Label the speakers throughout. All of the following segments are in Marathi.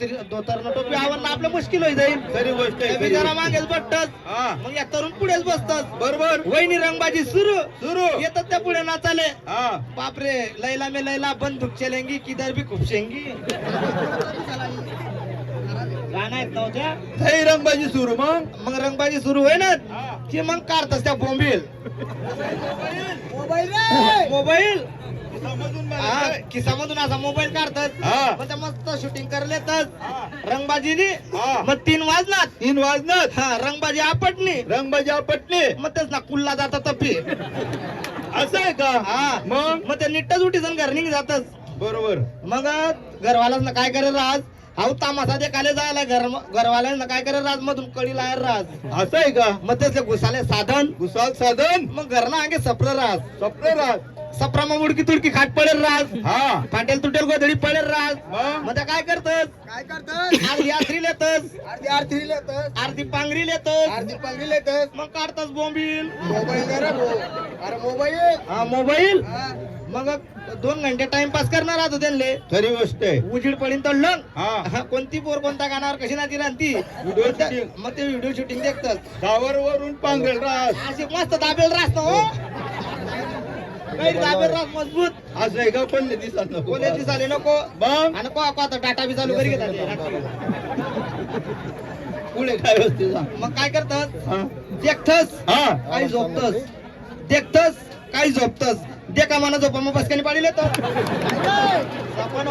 Speaker 1: धोतर टोपी आवडणं आपलं मुश्किल होई जाईल.
Speaker 2: खरी गोष्ट आहे,
Speaker 1: कमी
Speaker 2: खरी
Speaker 1: जरा
Speaker 2: गोष्ट.
Speaker 1: मागेच बसतात,
Speaker 2: हा.
Speaker 1: मग या तरुण पुढेच बसतात.
Speaker 2: बरोबर.
Speaker 1: वहिनी रंगबाजी सुरू
Speaker 2: सुरू.
Speaker 1: येतात त्या पुढे नाचाले.
Speaker 2: हा.
Speaker 1: बापरे, लैला में लैला बंदूक चलेंगी किधर भी खुपशेंगी. गाणं आहेत ना त्या.
Speaker 2: થઈ रंगबाजी सुरू.
Speaker 1: मग रंगबाजी सुरू होय ना
Speaker 2: हा.
Speaker 1: की मग काढतात त्या बोंबील मोबाईल.
Speaker 2: समजून
Speaker 1: हा,
Speaker 2: मला.
Speaker 1: खिसामधून असा मोबाईल काढतात.
Speaker 2: हा.
Speaker 1: मग त्या मस्त शूटिंग करलेतात
Speaker 2: हा.
Speaker 1: रंगबाजीनी.
Speaker 2: हा.
Speaker 1: मग 3 वाजलात.
Speaker 2: 3 वाजणार.
Speaker 1: हा, रंगबाजी आपटणी.
Speaker 2: रंगबाजी आपटली.
Speaker 1: मग तेच ना कुल्ला जातात तपी.
Speaker 2: असं आहे का?
Speaker 1: हा, मग ते निट्टच उठीसन घर निघ जातच.
Speaker 2: बरोबर.
Speaker 1: मग घरवालाच ना काय करेल राज, हाऊ तामासा देखाले जायला घरवाल्यानं काय करेल राज, मधून कडी लायर राज.
Speaker 2: असं आहे का?
Speaker 1: मग त्याचे घुसाले साधन.
Speaker 2: गुसाल साधन.
Speaker 1: मग घरना अंगे सप्र राज.
Speaker 2: सपने रात.
Speaker 1: सप्रा मग उडकी तुडकी खाट पडेल राज.
Speaker 2: हा.
Speaker 1: फाटेल तुटेल गोधडी पडेल राज.
Speaker 2: मग?
Speaker 1: मग त्या काय करतात, अर्धी आथरी लेतच, अर्धी पांघरी लेतच, मग काढतात बोंबील. हा, मोबाईल. मग 2 घंटे टाइमपास करणार राहतो त्यांले.
Speaker 2: खरी गोष्ट आहे.
Speaker 1: उजीड पडीन तर लंग.
Speaker 2: हा.
Speaker 1: हा, कोणती पोर कोणत्या गाण्यावर कशी नाची राहती.
Speaker 2: Video shooting.
Speaker 1: मग ते व्हिडिओ शूटिंग देखतात.
Speaker 2: गावर वरून पांगल रात.
Speaker 1: अशी मस्त दाबेल राहत हो. काही दाबेल राहत मजबूत.
Speaker 2: असं आहे का? पण दिसत नको.
Speaker 1: कोल्याची झाले नको.
Speaker 2: मग
Speaker 1: आणि को आता टाटा बी चालू करी घेतात.
Speaker 2: पुढे काय असते सांग.
Speaker 1: मग काय करतात,
Speaker 2: हा.
Speaker 1: देखतस
Speaker 2: हा.
Speaker 1: काही झोपतस, देखतस काही झोपतस. देखा माना झोपा मग बसकाने पाडी लेतो. आपण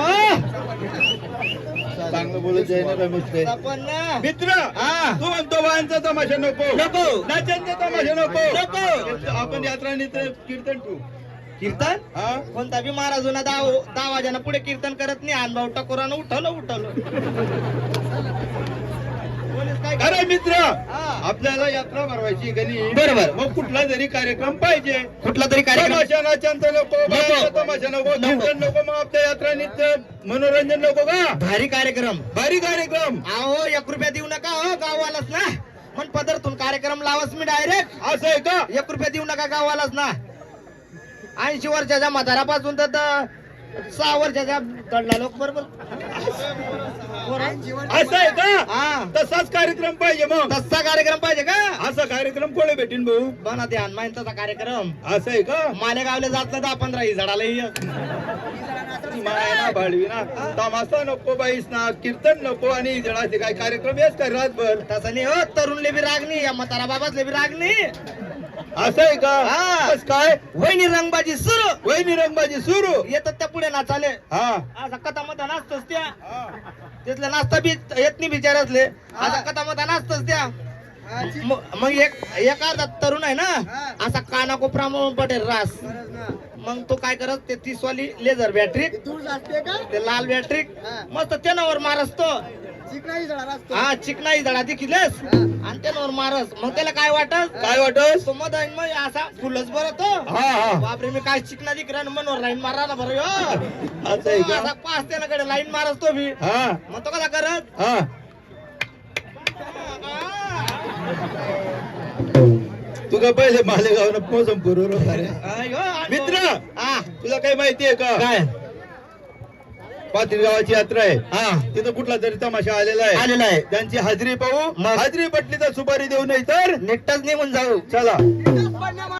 Speaker 2: चांगलं बोलत आहे ना रमेश ते.
Speaker 1: आपण ना
Speaker 2: मित्र,
Speaker 1: हा.
Speaker 2: तू म्हणतो बायांचा तमाशा नको,
Speaker 1: नको.
Speaker 2: नाच्यांचा तमाशा नको.
Speaker 1: नको.
Speaker 2: आपण यात्रा कीर्तन ठेवू.
Speaker 1: कीर्तन
Speaker 2: हा.
Speaker 1: कोणता बी महाराजुना 10 वाजना पुढे कीर्तन करत नाही. अनभाऊ टकोरानं उठवलं. पोलीस काय
Speaker 2: अरे
Speaker 1: करत?
Speaker 2: मित्र,
Speaker 1: हा.
Speaker 2: आपल्याला यात्रा भरवायची का नाही?
Speaker 1: बरोबर.
Speaker 2: मग कुठला तरी कार्यक्रम पाहिजे.
Speaker 1: कुठला तरी कार्यक्रम.
Speaker 2: तमाशा नाच्यांचा नको, बायांचा तमाशा नको, कीर्तन नको. मग आपल्या यात्रा नित्य मनोरंजन नको का?
Speaker 1: भारी कार्यक्रम.
Speaker 2: भारी कार्यक्रम.
Speaker 1: अहो 1 रुपया देऊ नका हो गाववालाच ना. पण पदरतून कार्यक्रम लावस मी डायरेक्ट.
Speaker 2: असं आहे का?
Speaker 1: 1 रुपया देऊ नका गावालाच ना. 80 वर्षाच्या म्हातारापासून तर 6 वर्षाच्या तडला लोक बरोबर.
Speaker 2: असं आहे का?
Speaker 1: हा,
Speaker 2: तसाच कार्यक्रम पाहिजे. मग
Speaker 1: तसा कार्यक्रम पाहिजे का?
Speaker 2: असा कार्यक्रम कोणी भेटीन भाऊ?
Speaker 1: बना ध्यान माहित तसा कार्यक्रम.
Speaker 2: असं आहे का?
Speaker 1: मालेगावले जात ना 10-15 ही झाडाला
Speaker 2: मायना भाडवी ना, तमाशा नको, बाईस ना, कीर्तन नको आणि इजडाचे काय कार्यक्रम हेच कर रातभर.
Speaker 1: तसं नाही हो. तरुणले बी रागणी, या म्हातारा बाबासले बी रागणी.
Speaker 2: असं आहे का?
Speaker 1: हा.
Speaker 2: बस काय?
Speaker 1: वहिनी रंगबाजी सुरू
Speaker 2: वहिनी रंगबाजी सुरू.
Speaker 1: येतात त्या पुढे नाचाले.
Speaker 2: हा.
Speaker 1: असा कथामता नाचतोच त्या.
Speaker 2: हा.
Speaker 1: तिथले नाचता बी येत नाही बिचारातले. असा कथामता नाचतोच त्या. मग एक अर्धा तरुण आहे ना, असा काना कोपरा म्हणून पटेल रास. मग तो काय करत, ते 30 वाली लेझर बॅटरी, ते लाल बॅटरी मस्त त्यानावर मारस तो. हा, चिकनाई जडा दिखिलेस आणि त्यानावर मारस. मग त्याला काय वाटत,
Speaker 2: काय वाटत?
Speaker 1: तो मध मग असा फुलच बरं तो.
Speaker 2: हा. हा.
Speaker 1: बापरे, मी काय चिकना दिकरा मनोर लाईन मारा ना बरं हो.
Speaker 2: असं आहे का?
Speaker 1: असा पाच त्याकडे लाईन मारस तो बी.
Speaker 2: हा.
Speaker 1: मग तो कसा करत,
Speaker 2: हा. तुझा पहिले मालेगाव मोसम बरोबर होता रे. मित्र,
Speaker 1: हा
Speaker 2: तुला काही माहिती आहे का?
Speaker 1: काय
Speaker 2: पाटील गावाची यात्रा आहे.
Speaker 1: हा
Speaker 2: तिथं कुठला तरी तमाशा आलेला आहे.
Speaker 1: आलेला आहे.
Speaker 2: त्यांची हाजरी पाहू.
Speaker 1: मग?
Speaker 2: हाजरी पटली तर सुपारी देऊ, नाही तर
Speaker 1: नेटच निघून जाऊ.
Speaker 2: चला.